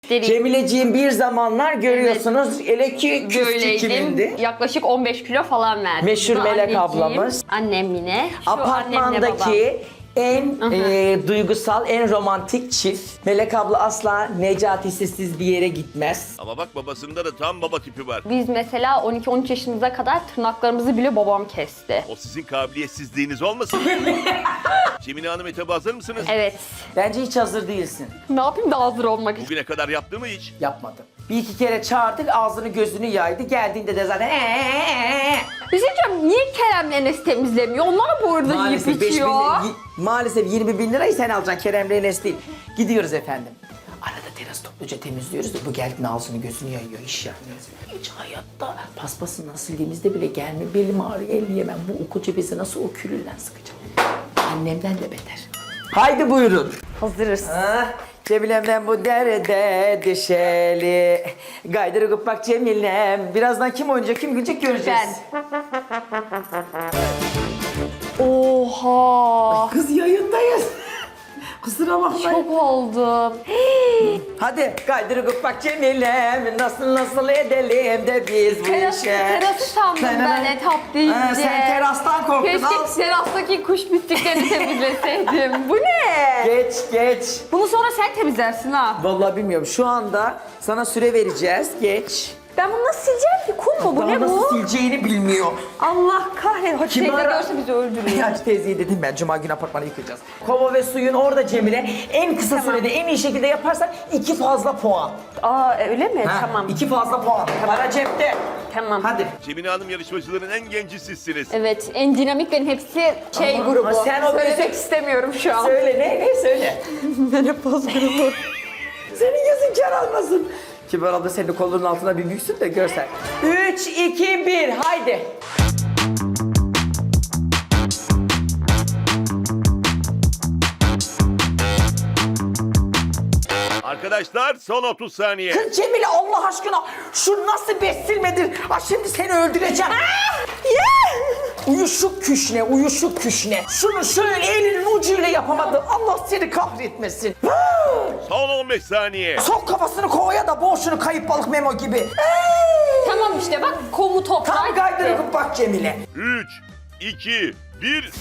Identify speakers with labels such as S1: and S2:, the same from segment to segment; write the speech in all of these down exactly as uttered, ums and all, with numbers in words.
S1: Cemileciğim bir zamanlar görüyorsunuz evet. Ele ki küstü kimindi?
S2: Yaklaşık on beş kilo falan verdim.
S1: Meşhur Melek anneciğim, ablamız.
S2: Annem yine. Şu
S1: apartmandaki en e, duygusal, en romantik çift. Melek abla asla Necati'siz bir yere gitmez.
S3: Ama bak babasında da tam baba tipi var.
S2: Biz mesela on iki on üç yaşımıza kadar tırnaklarımızı bile babam kesti.
S3: O sizin kabiliyetsizliğiniz olmasın? Cemile Hanım etaba hazır mısınız?
S2: Evet.
S1: Bence hiç hazır değilsin.
S2: Ne yapayım da hazır olmak için?
S3: Bugüne kadar yaptı mı hiç?
S1: Yapmadım. Bir iki kere çağırdık, ağzını gözünü yaydı. Geldiğinde de zaten eee.
S2: Bir şey diyeceğim, niye Kerem'le Enes temizlemiyor? Onlar bu arada yiyip
S1: Maalesef, beş bin,
S2: içiyor.
S1: maalesef yirmi bin lirayı sen alacaksın, Kerem'le Enes değil. Gidiyoruz efendim. Arada teras topluca temizliyoruz da bu geldiğinde ağzını gözünü yayıyor, iş yapmıyoruz. Hiç hayatta paspasından sildiğimizde bile gelme, belim ağrıyor, el yemem. Bu koca bezi nasıl o külünden sıkacağım? Annemden de beter. Haydi buyurun.
S2: Hazırız.
S1: Ah, Cemile'mden bu derde düşeli. Gaydırıp bak Cemile'm. Birazdan kim oynayacak, kim gülecek göreceğiz.
S2: Ben. Oha.
S1: Kız yayındayız. Kusura bakmayın.
S2: Çok oldum.
S1: Hadi gaydırıp bak Cemile'm. Nasıl nasıl edelim de biz bu
S2: Teras,
S1: işe.
S2: terası sandım
S1: Sen
S2: ben
S1: hemen-
S2: etap deyince.
S1: Ha, sen terastan korktun.
S2: Keşke
S1: Al.
S2: terastaki kuş pisliklerini temizleseydim. Bu ne?
S1: Geç geç.
S2: Bunu sonra sen temizlersin ha.
S1: Vallahi bilmiyorum. Şu anda sana süre vereceğiz. Geç.
S2: Ben bunu nasıl sileceğim ki? Kum mu bu?
S1: Daha
S2: Ne
S1: nasıl
S2: bu?
S1: sileceğini bilmiyor.
S2: Allah kahretsin. Hacı
S1: Kim
S2: teyze
S1: ara-
S2: görse bizi öldürür.
S1: Hacı teyzeyi dedim ben. Cuma günü apartmanı yıkayacağız. Kova ve suyun orada Cemile. En kısa
S2: Tamam.
S1: sürede en iyi şekilde yaparsan iki fazla puan.
S2: Aa öyle mi?
S1: Ha,
S2: Tamam.
S1: İki fazla puan. Para cepte.
S2: Tamam.
S1: Hadi.
S3: Cemile Hanım yarışmacıların en genci sizsiniz.
S2: Evet, en dinamiklerin hepsi şey
S1: Ama-
S2: grubu.
S1: ama sen o
S2: Söylemek
S1: böyle-
S2: istemiyorum şu an.
S1: Söyle ne ne söyle.
S2: Menopoz grubu.
S1: Senin gözün kar almasın. Kibar abla senin kolunun altına bir büksün de görsen. Üç, iki, bir, haydi.
S3: Arkadaşlar son otuz saniye.
S1: Kız Cemile Allah aşkına şu nasıl bessilmedir? Ha şimdi seni öldüreceğim. Uyuşuk küşne, uyuşuk küşne. Şunu şöyle elinin ucuyla yapamadın. Allah seni kahretmesin.
S3: Son on beş saniye.
S1: Sok kafasını kovaya da boğuşunu kayıp balık Memo gibi.
S2: Tamam işte bak komu toprak.
S1: Tam kaydırıp bak Cemile.
S3: üç, iki, bir.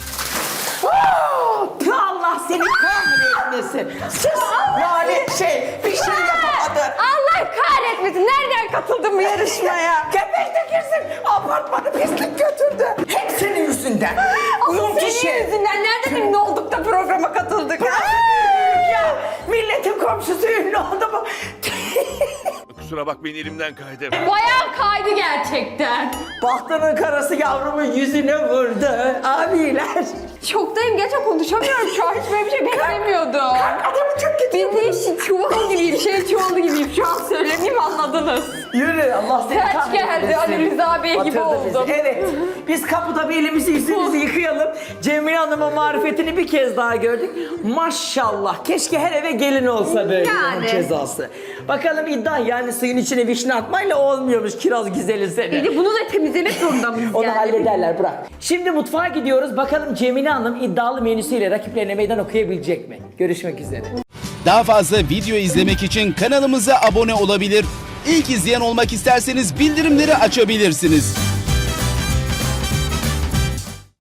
S1: Allah seni kahretmesin. Sus. Yani şey bir şey yapamadın.
S2: Allah kahretmesin. Nereden katıldın bu yarışmaya?
S1: Köpek de girsin. Apartmanı pislik götürdü. Hep senin yüzünden. Uyum
S2: Senin
S1: kişi.
S2: yüzünden nereden ünlü olduk da programa katıldık?
S1: Ya milletin komşusu ünlü oldu mu?
S3: Kusura bakmayın elimden kaydı.
S2: Bayağı kaydı gerçekten.
S1: Bahtının karası yavrumun yüzüne vurdu. Abiler.
S2: Şoktayım gerçekten konuşamıyorum şu an. Hiç böyle bir şey beklemiyordum.
S1: Adamı çok kötü.
S2: Ben de işte çuval gibiyim, şey çuvalı gibiyim. Şu an söylemeyeyim anladınız.
S1: Yürü Allah seni
S2: Felç
S1: kahretmesin.
S2: geldi, Ali Rıza Bey gibi
S1: Batırdı bizi.
S2: oldum.
S1: Evet. Biz kapıda bir elimizi yüzümüzü yıkayalım. Cemile Hanım'ın marifetini bir kez daha gördük. Maşallah. Keşke her eve gelin olsa böyle
S2: Yani.
S1: bunun cezası. Bakalım iddia yani suyun içine vişne atmayla olmuyormuş kiraz güzeli seni.
S2: Bir de bunu da temizlemek zorunda mıyız
S1: Onu
S2: yani?
S1: hallederler bırak. Şimdi mutfağa gidiyoruz. Bakalım Cemile Hanım iddialı menüsüyle rakiplerine meydan okuyabilecek mi? Görüşmek üzere.
S4: Daha fazla video izlemek için kanalımıza abone olabilir. İlk izleyen olmak isterseniz bildirimleri açabilirsiniz.